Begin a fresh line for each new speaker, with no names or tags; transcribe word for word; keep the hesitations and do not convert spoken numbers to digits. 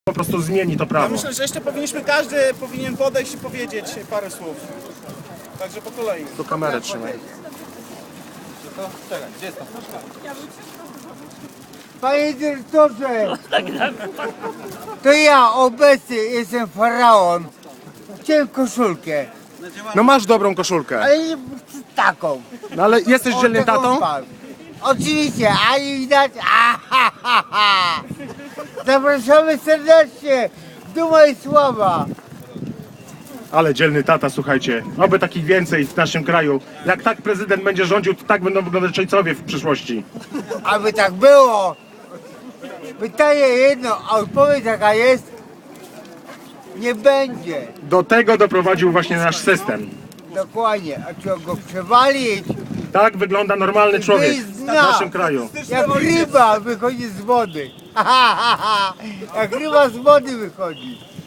po prostu zmieni to
Ja
prawo.
myślę, że jeszcze powinniśmy, każdy powinien podejść i powiedzieć parę słów. Także po kolei.
Tu kamerę trzymaj.
Panie dyrektorze, to ja obecny jestem faraon. Chciałem koszulkę,
No masz dobrą koszulkę.
ale nie taką.
No ale jesteś
O,
dzielnym
taką
tatą?
mam. Oczywiście, a nie widać. A, ha, ha, ha. Zapraszamy serdecznie. Duma i sława.
Ale dzielny tata, słuchajcie. Oby takich więcej w naszym kraju. Jak tak prezydent będzie rządził, to tak będą wyglądać Czajcowie w przyszłości.
Aby tak było. Pytanie jedno, a odpowiedź jaka jest? Nie będzie.
Do tego doprowadził właśnie nasz system.
Dokładnie. A trzeba go przewalić.
Tak wygląda normalny człowiek w naszym kraju.
Jak ryba wychodzi z wody. Jak ryba z wody wychodzi.